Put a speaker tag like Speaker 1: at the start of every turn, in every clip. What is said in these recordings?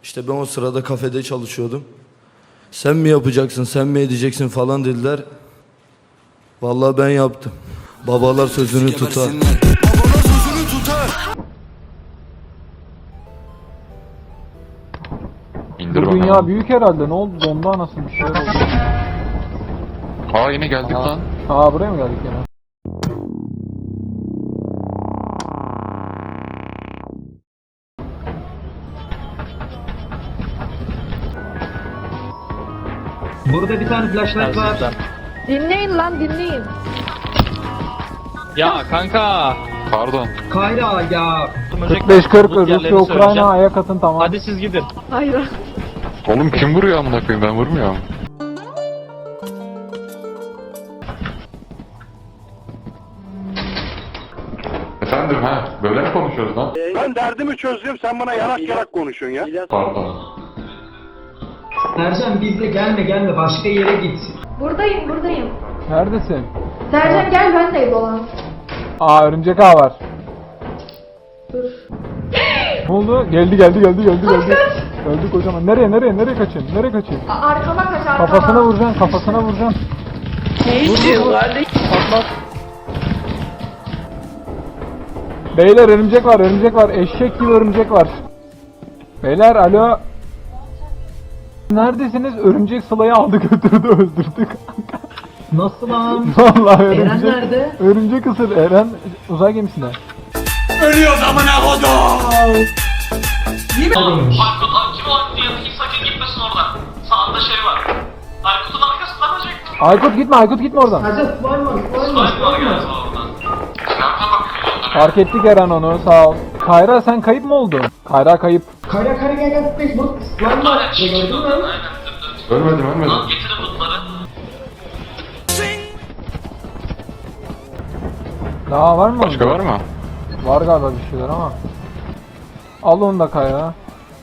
Speaker 1: İşte ben o sırada kafede çalışıyordum. Sen mi yapacaksın, sen mi edeceksin falan dediler. Vallahi ben yaptım. Babalar sözünü tutar. Babalar sözünü tutar.
Speaker 2: İndir
Speaker 3: Bu
Speaker 2: bakalım.
Speaker 3: dünya büyük herhalde. Ne oldu? Donda anasını bir şeyler oldu.
Speaker 2: Aa yine geldik lan.
Speaker 3: Aa buraya mı geldik yine?
Speaker 4: Burada bir tane flashlight var.
Speaker 5: Dinleyin lan dinleyin.
Speaker 6: Ya kanka.
Speaker 2: Pardon.
Speaker 4: Kayra ya.
Speaker 3: 45-40 Rusya Ukrayna ayak atın tamam.
Speaker 6: Hadi siz gidin.
Speaker 5: Hayır.
Speaker 2: Oğlum kim vuruyor amına koyayım, ben vurmuyorum. Efendim ha, böyle mi konuşuyoruz lan?
Speaker 7: Ben derdimi çözdüm, sen bana yarak yarak konuşuyorsun ya.
Speaker 2: Pardon.
Speaker 4: Sercan bizde gelme başka yere git.
Speaker 5: Buradayım.
Speaker 3: Neredesin?
Speaker 5: Sercan gel ben de dolan.
Speaker 3: Aa örümcek ağ var.
Speaker 5: Dur.
Speaker 3: Ne oldu? Geldi. Öldü kocaman. Nereye kaçın? Nereye kaçın?
Speaker 5: Arkama kaç arkama.
Speaker 3: Kafasına vuracaksın.
Speaker 5: Ne diyorlar?
Speaker 3: Patlat. Beyler örümcek var. Eşek gibi örümcek var. Beyler alo. Neredesiniz? Örümcek Sıla'yı aldı götürdü öldürdük.
Speaker 4: Nasıl lan?
Speaker 3: Vallahi
Speaker 4: Eren
Speaker 3: örümcek.
Speaker 4: nerede?
Speaker 3: Örümcek ısır. Eren uzay gemisinde.
Speaker 4: Neredeymiş?
Speaker 8: Aykut kim o yanındaki sakın gitmesin oradan. Sağında şey var. Aykut'un arkasından olacak.
Speaker 3: Aykut gitme oradan.
Speaker 4: Sercan var mı?
Speaker 8: Slime var galiba oradan. Nerede bakıyorsun?
Speaker 3: Fark ettik Eren onu sağ ol. Kayra sen kayıp mı oldun? Kayra kayıp.
Speaker 4: Kayra gel. Bu slime var.
Speaker 8: Aynen çıktı
Speaker 4: Gördün
Speaker 8: oradan
Speaker 4: mü?
Speaker 8: aynen. Dümdüz.
Speaker 2: Ölmedim.
Speaker 8: Lan getirin bunları.
Speaker 3: Daha var mı?
Speaker 2: Başka var mı?
Speaker 3: Var galiba bir şeyler ama. Al onu da Kayra.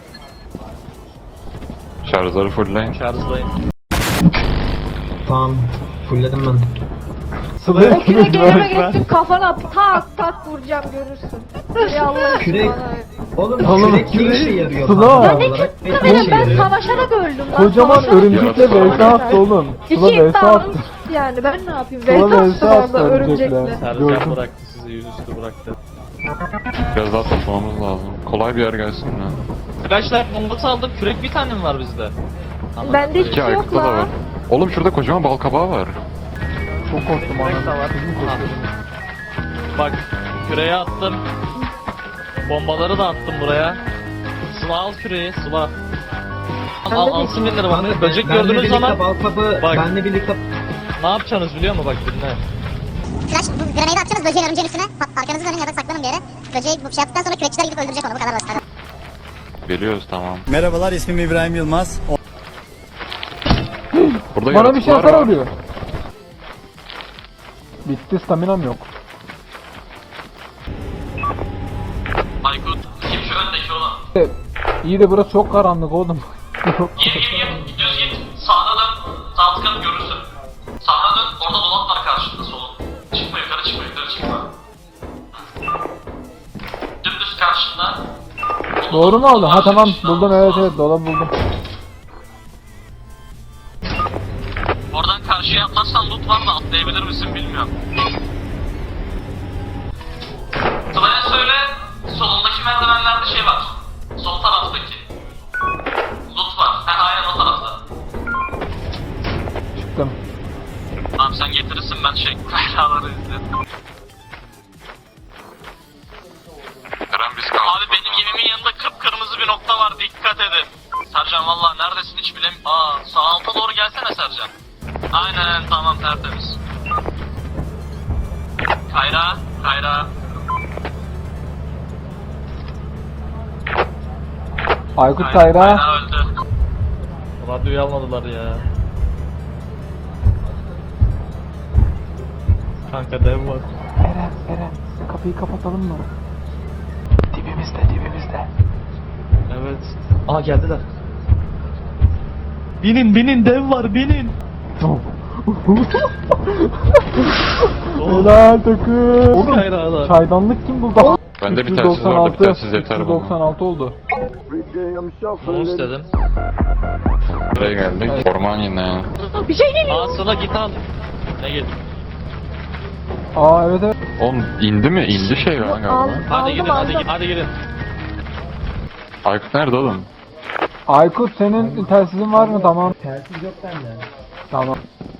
Speaker 2: Şarjları fullleyin.
Speaker 6: Şarjdayım.
Speaker 4: Tamam. Fullledim ben.
Speaker 3: Sıla'ya
Speaker 5: O küre gelime geçtim kafana tak vuracağım görürsün. Ya Allah aşkına.
Speaker 4: Kürek. Oğlum
Speaker 3: Oğlum,
Speaker 4: kürek ne işe yarıyor?
Speaker 3: Sıla.
Speaker 4: tam
Speaker 3: Ya
Speaker 5: Ne
Speaker 4: olarak?
Speaker 5: çıktı
Speaker 4: Ne
Speaker 5: benim
Speaker 4: işe
Speaker 5: ben
Speaker 4: yarıyor?
Speaker 5: savaşarak öldüm lan.
Speaker 3: Kocaman
Speaker 5: Savaşarak
Speaker 3: örümcekle
Speaker 5: öldüm.
Speaker 3: vs attı oğlum. Sıla
Speaker 5: İki
Speaker 3: vs attı.
Speaker 5: iddiamız yani ben ne yapayım?
Speaker 3: Sıla
Speaker 5: Vs
Speaker 3: vs
Speaker 5: attım
Speaker 3: attı
Speaker 5: orada
Speaker 3: örümcekle.
Speaker 5: örümcekle.
Speaker 6: Sercan
Speaker 3: Gördüm.
Speaker 6: bıraktı sizi, yüzüstü bıraktı.
Speaker 2: Biraz daha toplamamız lazım. Kolay bir yer gelsin mi?
Speaker 6: Flashlight bombası aldım. Kürek bir tane mi var bizde? Tamam.
Speaker 5: Bende hiçbir
Speaker 2: İki
Speaker 5: şey yok
Speaker 2: Aykut'ta da var.
Speaker 5: lan.
Speaker 2: Oğlum şurada kocaman bal kabağı var.
Speaker 3: Çok korktum
Speaker 6: Kürek de
Speaker 3: anam.
Speaker 6: var. Ha. Bak küreği attım. Bombaları da attım buraya. Sıla al küreği Sıla. Al alsın birileri bana.
Speaker 4: Kanka,
Speaker 6: Böcek
Speaker 4: benle
Speaker 6: gördüğünüz
Speaker 4: birlikte
Speaker 6: zaman
Speaker 4: bal kabı,
Speaker 6: Bak.
Speaker 4: benle birlikte
Speaker 6: ne yapacaksınız biliyor musun? Bak dinle.
Speaker 9: Flash bu grenade atacaksınız böceğin örümceğin üstüne. Arkanızı dönün ya da saklanın bir yere. Böceği bu şey yaptıktan sonra kürekçiler gidip öldürecek onu. Bu kadar basit. Hadi.
Speaker 2: Biliyoruz tamam.
Speaker 7: Merhabalar, ismim İbrahim Yılmaz.
Speaker 2: Burada
Speaker 3: Bana bir şey
Speaker 2: yaratıklar
Speaker 3: hasar
Speaker 2: var.
Speaker 3: oluyor. Bitti staminam yok.
Speaker 8: Aykut kim şu öndeki olan?
Speaker 3: İyi de burası çok karanlık oğlum.
Speaker 8: Gir düz git. Sağına dön. Sağ tıkanıp görürsün. Sağına dön. Orada dolap var karşında solun. Çıkma yukarı çıkma. Dümdüz karşında.
Speaker 3: Doğru mu oldu? Ha tamam buldum evet dolabı buldum.
Speaker 8: Oradan karşıya atlarsan loot var da atlayabilir misin bilmiyorum. Sıla'ya söyle. Solundaki merdivenlerde şey var. Sol taraftaki. Loot var. Aynen o tarafta.
Speaker 3: Çıktım.
Speaker 8: Tamam sen getirirsin ben şey kaynaları izlerim.
Speaker 2: Eren biz kaldık.
Speaker 8: Abi benim gemimin yanında kıpkırmızı bir nokta var dikkat edin. Sercan valla neredesin hiç bilemiyorum. Sağ alta doğru gelsene Sercan. Aynen tamam tertemiz. Kayra.
Speaker 3: Aykut Kayra.
Speaker 8: Kayra öldü.
Speaker 6: Radyoyu almadılar ya. Kanka dev var.
Speaker 3: Eren kapıyı kapatalım mı? Dibimizde.
Speaker 6: Evet. Aa geldiler. Binin dev var binin.
Speaker 3: Helal takım.
Speaker 6: Kayralar.
Speaker 3: Çaydanlık kim buldu?
Speaker 2: Bende bir telsiz vardı, bir telsiz yeter bana.
Speaker 3: 396 oldu.
Speaker 6: Bunu istedim.
Speaker 2: Buraya geldik. Orman yine.
Speaker 5: Bir şey geliyor.
Speaker 6: Aa Sıla git al. Ne git?
Speaker 3: Aa evet evet.
Speaker 2: Oğlum indi mi? İndi şey lan galiba.
Speaker 6: Hadi
Speaker 5: Aldım,
Speaker 6: gidin
Speaker 5: aldım.
Speaker 6: hadi gidin.
Speaker 2: Aykut nerede oğlum?
Speaker 3: Aykut senin telsizin var mı? Tamam.
Speaker 4: Telsiz yok bende.
Speaker 3: Tamam.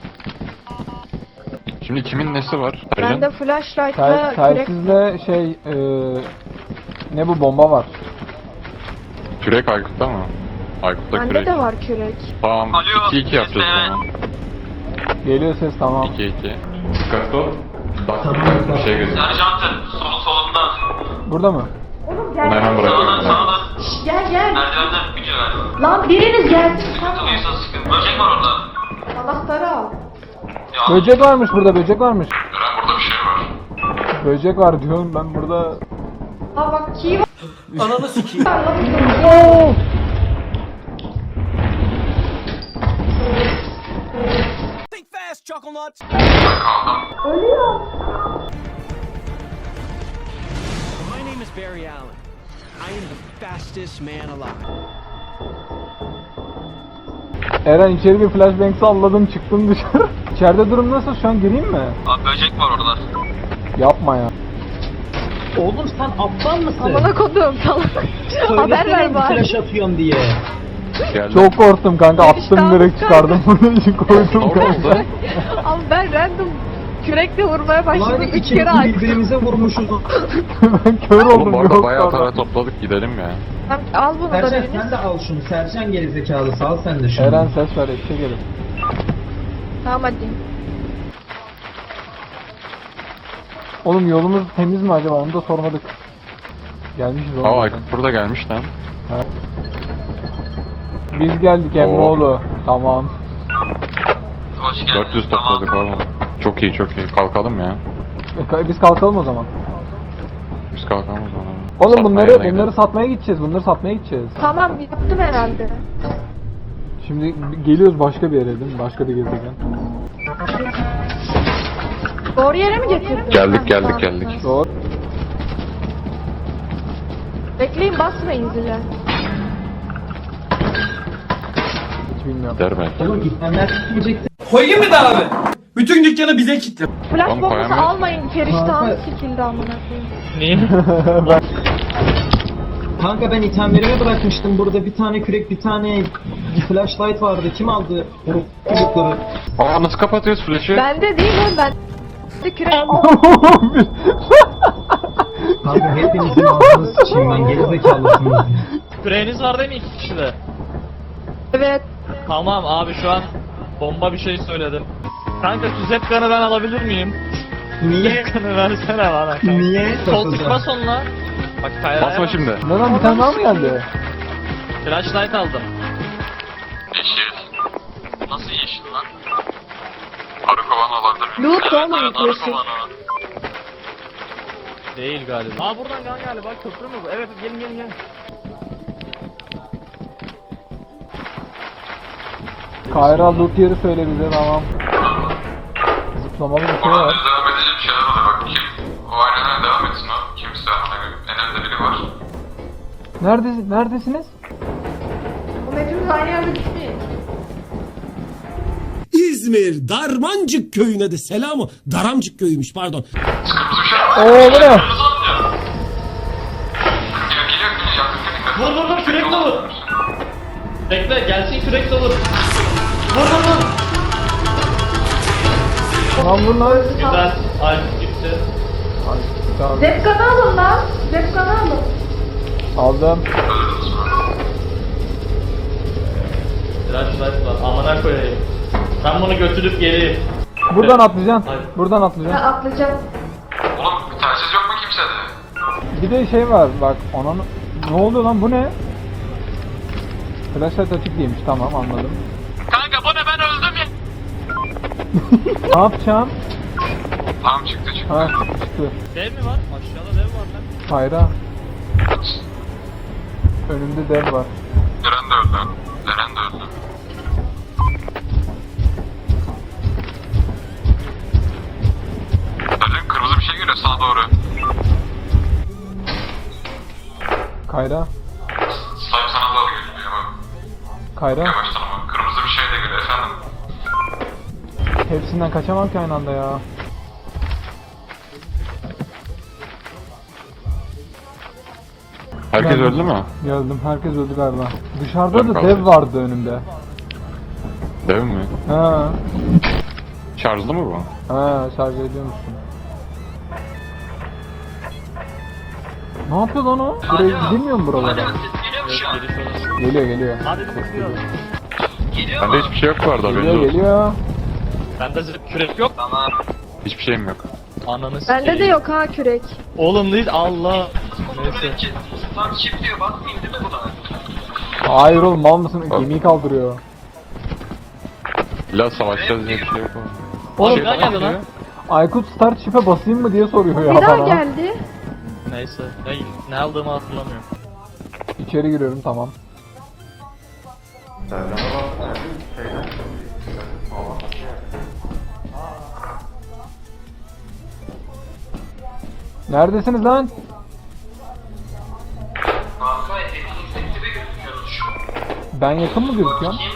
Speaker 2: Şimdi kimin nesi var?
Speaker 5: Bende flashlight'la kürek.
Speaker 3: Telsizle şey ne bu bomba var.
Speaker 2: Kürek Aykut'ta mı? Aykut'ta
Speaker 5: Bende
Speaker 2: kürek.
Speaker 5: de var kürek.
Speaker 2: Tamam.
Speaker 8: Alo,
Speaker 2: 2-2 yapacağız o
Speaker 8: evet.
Speaker 2: zaman.
Speaker 3: Geliyor ses tamam.
Speaker 2: 2-2. Dikkatli ol. Bak bir şey gözüküyor.
Speaker 8: Serjantın solunda.
Speaker 3: Burada mı?
Speaker 5: Oğlum
Speaker 2: Bunu hemen
Speaker 5: gel.
Speaker 2: bırakıyorum.
Speaker 8: Sağda.
Speaker 5: Gel gel.
Speaker 8: Merdivenden bir ver.
Speaker 5: Lan biriniz gelsin.
Speaker 8: Sıkıntılıysa sıkıntı. Böcek var orada.
Speaker 5: Anahtarı al.
Speaker 8: Ya
Speaker 3: Böcek varmış burada, böcek varmış.
Speaker 8: Eren burada bir şey var.
Speaker 3: Böcek var diyorum ben burada.
Speaker 5: Aa bak key var.
Speaker 4: Ananı sikeyim.
Speaker 3: Oo!
Speaker 5: Ölüyor.
Speaker 10: My name is Barry Allen. I am the fastest man alive.
Speaker 3: Eren içeri bir flashbang salladım çıktım dışarı. İçeride durum nasıl? Şu an gireyim mi?
Speaker 8: Abi böcek var orada.
Speaker 3: Yapma ya.
Speaker 4: Oğlum sen aptal mısın?
Speaker 5: Amına kodum salak. Haber ver bari.
Speaker 4: Flash atıyorum diye.
Speaker 2: Geldi.
Speaker 3: Çok korktum kanka, attım
Speaker 5: İştahım
Speaker 3: direkt çıkardım bunu için koydum
Speaker 2: Orada
Speaker 3: kanka.
Speaker 2: oldu.
Speaker 5: Ama ben random kürekle vurmaya başladım.
Speaker 4: Lan
Speaker 5: 3
Speaker 4: ikimiz
Speaker 5: kere açtım.
Speaker 4: birbirimize vurmuşuz.
Speaker 3: Ben kör
Speaker 2: Oğlum
Speaker 3: oldum
Speaker 2: orada
Speaker 3: yok
Speaker 2: bayağı
Speaker 3: sonra.
Speaker 2: para topladık, gidelim ya.
Speaker 5: Tamam, al bunu da
Speaker 4: Sercan
Speaker 5: biriniz.
Speaker 4: sen de al şunu. Sercan gerizekalı sal sen de şunu.
Speaker 3: Eren ses ver, eşek herif.
Speaker 5: Tamam hadi.
Speaker 3: Oğlum yolumuz temiz mi acaba? Onu da sormadık. Gelmişiz oğlum.
Speaker 2: Aa Aykut burada gelmiş lan.
Speaker 3: Biz geldik Emreoğlu. Tamam.
Speaker 8: Hoş geldin.
Speaker 2: 400 topladık oğlum. Çok iyi çok iyi. Kalkalım ya.
Speaker 3: Biz kalkalım o zaman.
Speaker 2: Biz kalkalım o zaman.
Speaker 3: Oğlum
Speaker 2: Satmaya
Speaker 3: bunları
Speaker 2: gidelim.
Speaker 3: satmaya gideceğiz. Bunları satmaya gideceğiz.
Speaker 5: Tamam yaptım herhalde.
Speaker 3: Şimdi geliyoruz başka bir yere değil mi? Başka bir gezegen.
Speaker 5: Doğru yere mi getirdin?
Speaker 2: Geldik
Speaker 5: Ha,
Speaker 2: geldik
Speaker 5: tamam.
Speaker 2: geldik.
Speaker 3: Doğru.
Speaker 5: Bekleyin basmayın zile.
Speaker 3: Hiç bilmiyorum.
Speaker 2: Der belki.
Speaker 4: Oğlum gitmenler gitmeyecekti.
Speaker 10: Koyayım mı da abi? Bütün dükkanı bize kitle.
Speaker 5: Flash
Speaker 2: Oğlum,
Speaker 5: bombası
Speaker 2: koyamayız.
Speaker 5: almayın. Feriştahım
Speaker 4: Kanka.
Speaker 5: sikildi amına koyayım.
Speaker 6: Niye?
Speaker 4: Kanka ben itemlerimi bırakmıştım. Burada bir tane kürek, bir tane flashlight vardı. Kim aldı bu çocukları?
Speaker 2: Aa nasıl kapatıyoruz flash'ı?
Speaker 5: Bende değil oğlum ben. De kürek.
Speaker 4: Kanka hepinizin ağzını sıçayım ben. Gerizekalısınız.
Speaker 6: Küreğiniz var değil mi 2 kişide?
Speaker 5: Evet.
Speaker 6: Tamam abi şu an bomba bir şey söyledim. Kanka şu zepkanı ben alabilir miyim?
Speaker 4: Niye?
Speaker 6: Zepkanı versene bana.
Speaker 4: Niye?
Speaker 6: Sol tık bas onunla. Bak Tayyar'a
Speaker 2: Basma şimdi.
Speaker 3: Ne lan, bir tane daha mı geldi?
Speaker 6: Flashlight aldım.
Speaker 8: Yeşil. Nasıl yeşil lan? Arı kovan olabilir mi?
Speaker 5: Loot oğlum,
Speaker 8: arı
Speaker 5: yeşil.
Speaker 8: kovanı o.
Speaker 6: Değil galiba. Aa buradan galiba köprü mü bu? Evet gelin gelin gelin.
Speaker 3: Kayra loot yeri söyle bize, tamam. Zıplamalı bir şey var.
Speaker 8: devam edecek bir şeyler oluyor bak. O aynen devam etsin o. Kimse en önde biri var.
Speaker 3: Neredesiniz?
Speaker 5: Bu hepimiz aynı yerde gitmeyin.
Speaker 10: İzmir Darmancık köyüne de selamı. Daramcık köyüymüş pardon.
Speaker 3: Oo bu ne?
Speaker 6: Vur kürekle vur. Bekle gelsin kürekle vur. Vur.
Speaker 3: Lan bunlar.
Speaker 6: Güzel. Ay gitti.
Speaker 3: Tamam.
Speaker 5: Zepkanı alın lan. Zepkanı alın.
Speaker 3: Aldım.
Speaker 6: Flashlight var. Amına koyayım. Ben bunu götürüp geleyim.
Speaker 3: Buradan atlayacaksın.
Speaker 6: Hayır.
Speaker 3: Buradan
Speaker 5: Ben
Speaker 3: atlayacaksın.
Speaker 5: atlayacağım.
Speaker 8: Oğlum bir telsiz yok mu kimsede?
Speaker 3: Bir de şey var bak, onun ne oluyor lan, bu ne? Flashlight açık değilmiş, tamam anladım.
Speaker 8: Kanka bu ne ben öldüm ya.
Speaker 3: Ne yapacağım?
Speaker 8: Tamam çıktı.
Speaker 3: Ha çıktı.
Speaker 6: Dev mi var? Aşağıda dev var lan.
Speaker 3: Hayra. Önümde dev var.
Speaker 8: Eren de öldü. Eren de öldü. Sercan kırmızı bir şey geliyor sağa doğru.
Speaker 3: Kayra.
Speaker 2: Sahip sana doğru geliyor bak.
Speaker 3: Kayra.
Speaker 2: Yavaştan ama kırmızı bir şey de geliyor efendim.
Speaker 3: Hepsinden kaçamam ki aynı anda ya.
Speaker 2: Herkes
Speaker 3: Ben-
Speaker 2: öldü mü?
Speaker 3: Geldim. Herkes öldü galiba. Dışarıda da
Speaker 2: Ben
Speaker 3: dev
Speaker 2: kaldım.
Speaker 3: vardı önümde.
Speaker 2: Dev mi?
Speaker 3: Ha.
Speaker 2: Şarjlı mı bu?
Speaker 3: Ha, şarj ediyor musun? Ne yapıyor lan o? Buraya gidilmiyor mu buralara?
Speaker 8: Ses geliyor mu şu an?
Speaker 6: Geliş orası.
Speaker 3: Geliyor geliyor.
Speaker 6: Hadi tutuyor.
Speaker 8: Geliyor
Speaker 2: Bende
Speaker 8: mu?
Speaker 2: hiçbir şey yok bu arada haberiniz
Speaker 3: Geliyor
Speaker 2: olsun.
Speaker 3: geliyor.
Speaker 6: Bende kürek yok.
Speaker 8: Tamam.
Speaker 2: Hiçbir şeyim yok.
Speaker 6: Ananı
Speaker 5: Bende de
Speaker 6: sikeyim.
Speaker 5: yok ha kürek.
Speaker 6: Oğlum değil Allah.
Speaker 8: Kontrol
Speaker 6: Neyse.
Speaker 8: edeceğiz. Tam çift diyor basmayayım değil mi buna?
Speaker 3: Hayır oğlum mal mısın? Gemiyi kaldırıyor.
Speaker 2: İlla savaşacağız diye bir şey yok.
Speaker 6: Oğlum
Speaker 2: Şey
Speaker 6: ne
Speaker 2: bana
Speaker 6: geldi lan?
Speaker 2: geliyor.
Speaker 3: Aykut start ship'e basayım mı diye soruyor ya
Speaker 5: Bir daha
Speaker 3: bana.
Speaker 5: geldi.
Speaker 6: Neyse. Ne aldığımı hatırlamıyorum.
Speaker 3: İçeri giriyorum tamam. Neredesiniz lan?
Speaker 8: Kanka yüksekte bir gözüküyoruz şu an.
Speaker 3: Ben yakın mı gözüküyorum?